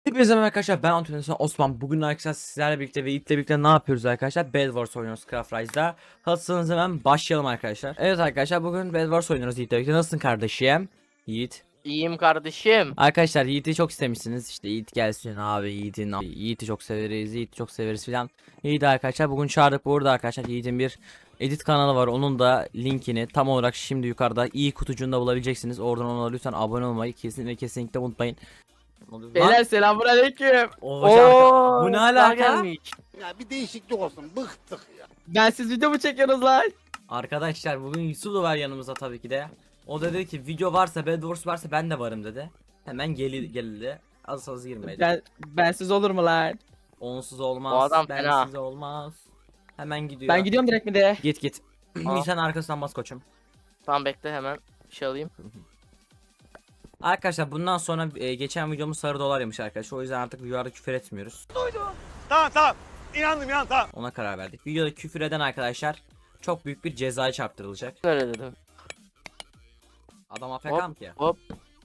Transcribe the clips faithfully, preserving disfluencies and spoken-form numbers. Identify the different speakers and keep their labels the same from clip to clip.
Speaker 1: Hepinize merhaba arkadaşlar, ben Antonio Osman. Bugün arkadaşlar sizlerle birlikte ve Yiğit'le birlikte ne yapıyoruz arkadaşlar? Bed Wars oynuyoruz Craft Rise'da. Hazırsanız hemen başlayalım arkadaşlar. Evet arkadaşlar, bugün Bed Wars oynuyoruz Yiğit'le birlikte. Nasılsın kardeşim? Yiğit.
Speaker 2: İyiyim kardeşim.
Speaker 1: Arkadaşlar Yiğit'i çok istemişsiniz. İşte Yiğit gelsin abi, Yiğit'in Yiğit'i çok severiz, Yiğit'i çok severiz filan. Yiğit'i arkadaşlar bugün çağırdık. Burada arkadaşlar Yiğit'in bir edit kanalı var. Onun da linkini tam olarak şimdi yukarıda i kutucuğunda bulabileceksiniz. Oradan ona lütfen abone olmayı kesinlikle kesinlikle unutmayın.
Speaker 2: Beyler selamünaleyküm.
Speaker 1: Oo,
Speaker 2: Oo,
Speaker 1: bu ne
Speaker 2: daha
Speaker 1: alaka?
Speaker 2: gelmiş.
Speaker 3: Ya bir değişiklik olsun. Bıktık ya.
Speaker 2: Ben siz video mu çekiyorsunuz lan?
Speaker 1: Arkadaşlar bugün Yusuf da var yanımızda tabii ki de. O da dedi ki video varsa, Bed Wars varsa ben de varım dedi. Hemen geli geldi. Az az girmedi.
Speaker 2: Ben bensiz olur mu lan?
Speaker 1: Onsuz olmaz.
Speaker 2: O adam
Speaker 1: bensiz
Speaker 2: fena.
Speaker 1: olmaz. Hemen gidiyor.
Speaker 2: Ben gidiyorum direkt mi de?
Speaker 1: Git git.
Speaker 2: Aa.
Speaker 1: Sen arkasından bas koçum.
Speaker 2: Tamam bekle hemen bir şey alayım.
Speaker 1: Arkadaşlar bundan sonra e, geçen videomuz sarı dolar yemiş arkadaşlar. O yüzden artık videolarda küfür etmiyoruz.
Speaker 3: Tamam tamam. İnandım ya tamam.
Speaker 1: Ona karar verdik. Videoda küfür eden arkadaşlar çok büyük bir cezaya çarptırılacak.
Speaker 2: Öyle dedim.
Speaker 1: Adam A F K mı ki?
Speaker 2: Hop.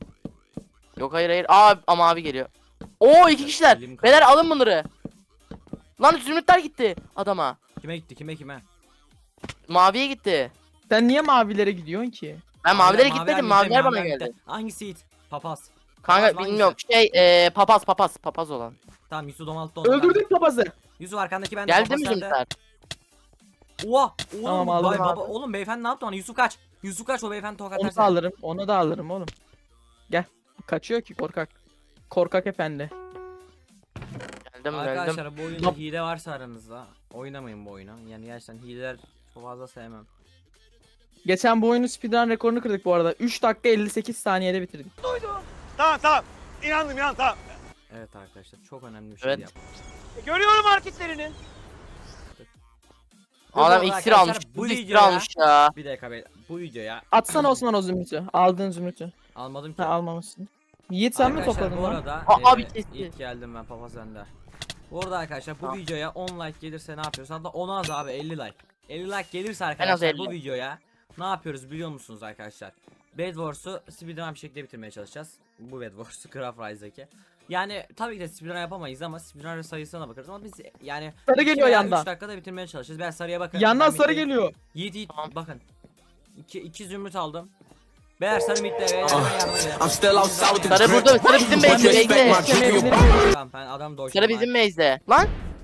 Speaker 2: Yok hayır hayır. Aa ama abi geliyor. Oo iki kişiler.
Speaker 1: Elim kaldı.
Speaker 2: Beyler alın bunları. Lan zümrütler gitti adama.
Speaker 1: Kime gitti kime kime?
Speaker 2: Maviye gitti.
Speaker 4: Sen niye mavilere gidiyorsun ki?
Speaker 2: Ben mavilere
Speaker 1: Maviler
Speaker 2: gitmedim.
Speaker 1: gitti,
Speaker 2: Maviler bana
Speaker 1: maviler
Speaker 2: geldi.
Speaker 1: gitti. Hangisi it? Papaz.
Speaker 2: Kanka
Speaker 1: Papaz
Speaker 2: bilmiyorum.
Speaker 1: hangisi?
Speaker 2: Şey ee, papaz papaz papaz olan.
Speaker 1: Tamam Yusuf Domalt'ta onu.
Speaker 4: Öldürdük papazı.
Speaker 1: Yusuf arkandaki bende.
Speaker 2: Geldi
Speaker 1: papaz
Speaker 2: mi
Speaker 1: sende.
Speaker 2: zümrütler?
Speaker 1: Oha! Oğlum,
Speaker 4: Tamam, aldım
Speaker 1: bay- baba,
Speaker 2: abi.
Speaker 1: oğlum beyefendi ne yaptı ona? Yusuf kaç. Yusuf kaç, o beyefendi tokat
Speaker 4: Onu da
Speaker 1: atarsa.
Speaker 4: alırım. Onu da alırım oğlum. Gel. Kaçıyor ki korkak. Korkak efendi.
Speaker 2: Geldim geldim.
Speaker 1: Arkadaşlar bu oyunda
Speaker 4: Nap-
Speaker 1: hile varsa aranızda oynamayın bu oyunu. Yani gerçekten hileler çok fazla sevmem.
Speaker 4: Geçen bu oyunun speedrun rekorunu kırdık bu arada. üç dakika elli sekiz saniyede bitirdik.
Speaker 3: Tamam tamam. İnandım ya tamam.
Speaker 1: Evet arkadaşlar çok önemli bir şey
Speaker 2: Evet.
Speaker 1: yap.
Speaker 3: Görüyorum hareketlerini.
Speaker 2: Adam
Speaker 1: Bu
Speaker 2: iksir
Speaker 1: arkadaşlar,
Speaker 2: almış.
Speaker 1: bu
Speaker 2: Bu iksir
Speaker 1: videoya-
Speaker 2: almış ya.
Speaker 1: Bir dakika be. Bu videoya
Speaker 4: Atsana Osman o zümrütü. Aldığın zümrütü.
Speaker 1: almadım ki.
Speaker 4: Ha almamışsın. Yiğit sen mi
Speaker 1: Arkadaşlar,
Speaker 4: topladın
Speaker 1: bu
Speaker 4: lan?
Speaker 1: arada
Speaker 2: Aa, abi
Speaker 1: e,
Speaker 2: kesti.
Speaker 1: ilk geldim ben papaz bende. Bu arada arkadaşlar bu
Speaker 2: Tamam.
Speaker 1: videoya on like gelirse ne yapıyoruz? Hatta on az abi elli like. elli like gelirse
Speaker 2: az
Speaker 1: arkadaşlar bu
Speaker 2: elli.
Speaker 1: videoya ne yapıyoruz biliyor musunuz arkadaşlar? Bed Wars'u speedrun bir şekilde bitirmeye çalışacağız. Bu Bed Wars'u Craft Rise'daki. Yani tabii ki de speedrun yapamayız ama speedrun sayısına bakarız ama biz yani
Speaker 4: Sarı geliyor yandan.
Speaker 1: üç dakikada bitirmeye çalışacağız. Ben sarıya bakın.
Speaker 4: Yandan
Speaker 1: Ben
Speaker 4: sarı
Speaker 1: middeyim.
Speaker 4: geliyor.
Speaker 1: Yiğit Yiğit
Speaker 2: Tamam.
Speaker 1: bakın. İki, iki zümrüt aldım. Beyler sarı midde beyler.
Speaker 5: I'm still outside with the
Speaker 2: Sarı
Speaker 5: drip.
Speaker 2: burada. Sarı bizim
Speaker 5: One
Speaker 2: base'de.
Speaker 5: respect my
Speaker 2: Bekle.
Speaker 5: drip.
Speaker 1: Tamam ben adam doğuştum.
Speaker 2: Sarı bizim base'de. Lan.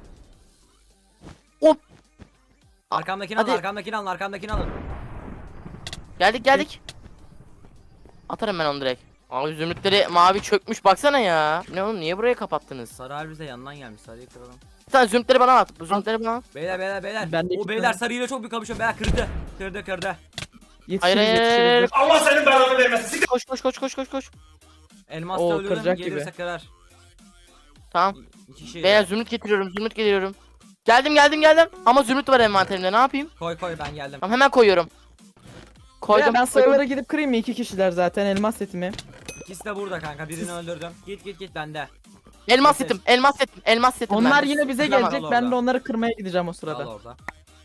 Speaker 2: Hop.
Speaker 1: Arkamdakini alın,
Speaker 2: Hadi.
Speaker 1: arkamdakini alın, arkamdakini alın.
Speaker 2: Geldik geldik. Atarım ben onu direkt. Abi zümrütleri mavi çökmüş baksana ya. Ne oğlum niye burayı kapattınız?
Speaker 1: Sarı harbi bize yandan gelmiş, sarıyı kıralım.
Speaker 2: Sen zümrütleri bana at. Bu zümrütleri bana at.
Speaker 1: Beyler beyler beyler.
Speaker 4: Ben de
Speaker 1: o
Speaker 4: iki
Speaker 1: beyler
Speaker 4: tane.
Speaker 1: sarıyla çok büyük kapışıyor. Beyler kırdı. Kırdı kırdı.
Speaker 4: Yetişiriz
Speaker 2: Hayır, hayır, hayır.
Speaker 4: yetişiriz.
Speaker 3: Allah senin belanı vermesin.
Speaker 2: Koş koş koş koş koş koş.
Speaker 1: Elmas da
Speaker 4: Oo,
Speaker 1: ölüyorum,
Speaker 4: kıracak
Speaker 1: gelirse
Speaker 4: gibi.
Speaker 1: kırar.
Speaker 2: Tamam.
Speaker 1: İki şey.
Speaker 2: Beyler zümrüt getiriyorum zümrüt getiriyorum. Geldim geldim geldim. Ama zümrüt var envanterimde ne yapayım?
Speaker 1: Koy koy ben geldim.
Speaker 2: Tamam hemen koyuyorum. Koydum.
Speaker 4: Ya ben
Speaker 2: koydum.
Speaker 4: sayılara gidip kırayım mı? İki kişiler zaten elmas setimi.
Speaker 1: İkisi de burada kanka, birini öldürdüm. Git git git bende.
Speaker 2: Elmas setim elmas setim elmas setim.
Speaker 4: Onlar
Speaker 2: bende.
Speaker 4: yine bize
Speaker 1: Tamam,
Speaker 4: gelecek.
Speaker 1: al
Speaker 4: Ben de
Speaker 1: orada.
Speaker 4: onları kırmaya gideceğim o
Speaker 1: Al
Speaker 4: sırada.
Speaker 1: orada.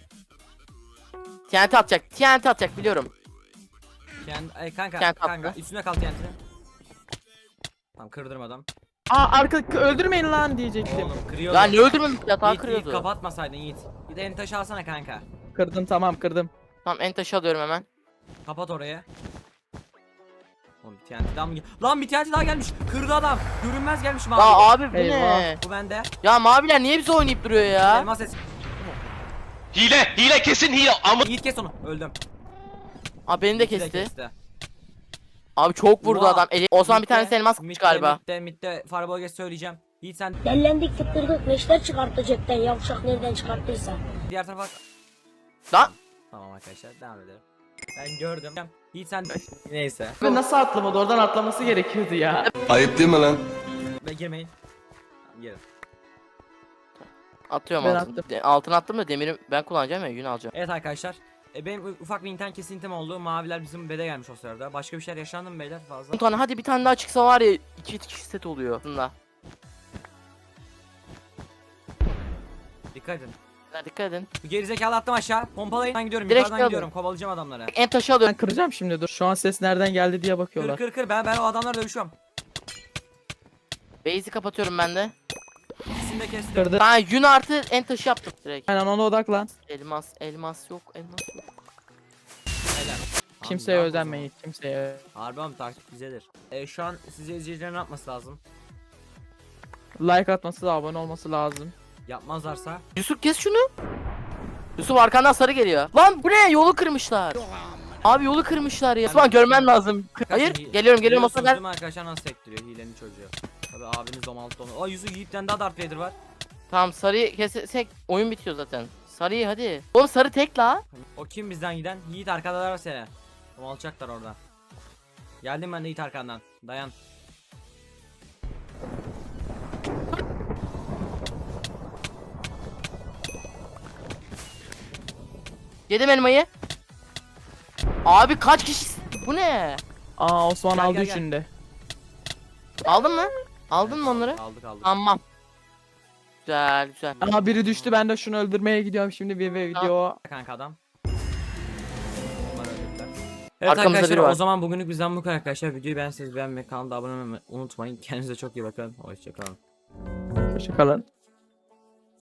Speaker 2: T N T atacak T N T atacak biliyorum.
Speaker 1: Kendi, ay kanka
Speaker 2: Kendi
Speaker 1: kanka
Speaker 2: attı.
Speaker 1: üstüne kal kendini. Tamam kırdırmadım.
Speaker 4: Aa arka öldürmeyin lan diyecektim.
Speaker 1: Oğlum kırıyordu.
Speaker 2: Ya ne öldürmemiş yatağı
Speaker 1: Yiğit, Yiğit
Speaker 2: kırıyordu.
Speaker 1: kapatmasaydın Yiğit. Bir de en taşı alsana kanka.
Speaker 4: Kırdım tamam kırdım.
Speaker 2: Tamam en taşı alıyorum hemen.
Speaker 1: Kapat orayı. Oğlum bir T N T daha mı gel- Lan bir T N T daha gelmiş. Kırdı adam. Görünmez gelmiş mavi.
Speaker 2: Ya abi bu
Speaker 4: Eyvah.
Speaker 2: ne?
Speaker 1: Bu bende.
Speaker 2: Ya maviler niye bize oynayıp duruyor ya?
Speaker 1: Elmas ses.
Speaker 5: Hile, hile kesin hile. Ama
Speaker 1: Yiğit kes onu. Öldüm.
Speaker 2: Abi beni de
Speaker 1: Yiğit'i
Speaker 2: kesti. Abi çok vurdu
Speaker 1: Oha.
Speaker 2: adam. Eli... O zaman bir
Speaker 1: Mid'de-
Speaker 2: tanesi elmas kılıç
Speaker 1: mid'de-
Speaker 2: galiba.
Speaker 1: Mid'de mid'de Fireball geç söyleyeceğim. Yiğit sen
Speaker 6: Dellendik fıttırdık neşter çıkarttı cepten yavşak nereden çıkarttıysa.
Speaker 1: diğer tarafa.
Speaker 2: Lan.
Speaker 1: Tamam arkadaşlar devam edelim. Ben gördüm. Yiğit sen neyse.
Speaker 4: Ve nasıl atlamadı? Oradan atlaması gerekiyordu ya.
Speaker 5: ayıp değil mi lan?
Speaker 1: Ve girmeyin. Tamam, girin.
Speaker 2: Atıyorum
Speaker 4: Ben
Speaker 2: altın.
Speaker 4: attım.
Speaker 2: De- altın attım da demiri ben kullanacağım ya yün alacağım.
Speaker 1: Evet arkadaşlar. E, benim u- ufak bir internet kesintim oldu. Maviler bizim bede gelmiş o sırada. Başka bir şeyler yaşandı mı beyler fazla?
Speaker 2: Bir tane hadi bir tane daha çıksa var ya iki kişi set oluyor aslında.
Speaker 1: Dikkat edin.
Speaker 2: Beyler dikkat edin.
Speaker 1: Bu gerizekalı attım aşağı. Pompalayın. Ben gidiyorum.
Speaker 2: Direkt
Speaker 1: Yukarıdan
Speaker 2: alın.
Speaker 1: gidiyorum. Kovalayacağım adamları.
Speaker 2: En taşı
Speaker 4: Ben
Speaker 2: alıyorum.
Speaker 4: kıracağım şimdi dur. Şu an ses nereden geldi diye
Speaker 1: Kır
Speaker 4: bakıyorlar.
Speaker 1: kır kır. Ben ben o adamlarla dövüşüyorum.
Speaker 2: Base'i kapatıyorum ben de.
Speaker 1: İkisini de kestim.
Speaker 4: Kırdı.
Speaker 2: Ben yün artı en taşı yaptım direkt.
Speaker 4: Aynen ona odaklan.
Speaker 2: Elmas, elmas yok, elmas yok.
Speaker 1: Helal.
Speaker 4: Kimseye
Speaker 1: Abi,
Speaker 4: özenmeyin. Kimseye.
Speaker 1: Harbi ama taktik bizedir. E, şu an size izleyicilerin ne yapması lazım?
Speaker 4: Like atması, abone olması lazım.
Speaker 1: Yapmazlarsa
Speaker 2: Yusuf kes şunu. Yusuf arkandan sarı geliyor. Lan bu ne? Yolu kırmışlar. Abi yolu kırmışlar ya. Osman görmen lazım. Hayır,
Speaker 1: Hi-
Speaker 2: geliyorum geliyorum
Speaker 1: Biliyorsunuz
Speaker 2: Osman gel.
Speaker 1: değil mi arkadaşlar nasıl sektiriyor hilenin çocuğu. Tabi abiniz domalttı onu. Aa Yusuf Yiğit'ten daha Darth Vader var.
Speaker 2: Tamam sarıyı kesek oyun bitiyor zaten. Sarıyı hadi. Oğlum sarı tek la.
Speaker 1: O kim bizden giden? Yiğit arkadalar seni. Domalacaklar orada. Geldim ben de Yiğit arkandan. Dayan.
Speaker 2: Yedim elmayı. Abi kaç kişi? Bu ne?
Speaker 4: Aa Osman
Speaker 1: Gel,
Speaker 4: aldı
Speaker 1: gel, gel.
Speaker 4: üçünü de.
Speaker 2: Aldın mı? Aldın mı onları?
Speaker 1: Aldık aldık.
Speaker 2: Tamam. Güzel güzel.
Speaker 4: Aa biri düştü, ben de şunu öldürmeye gidiyorum şimdi bir ve video.
Speaker 1: Kanka adam. Bunlar öldürdüler. Evet
Speaker 2: Arkamızda
Speaker 1: arkadaşlar
Speaker 2: biri var.
Speaker 1: o zaman bugünlük bizden bu kadar arkadaşlar. Videoyu beğenseniz beğenmeyi, kanala abone olmayı unutmayın. Kendinize çok iyi bakın. Hoşçakalın.
Speaker 4: Hoşçakalın.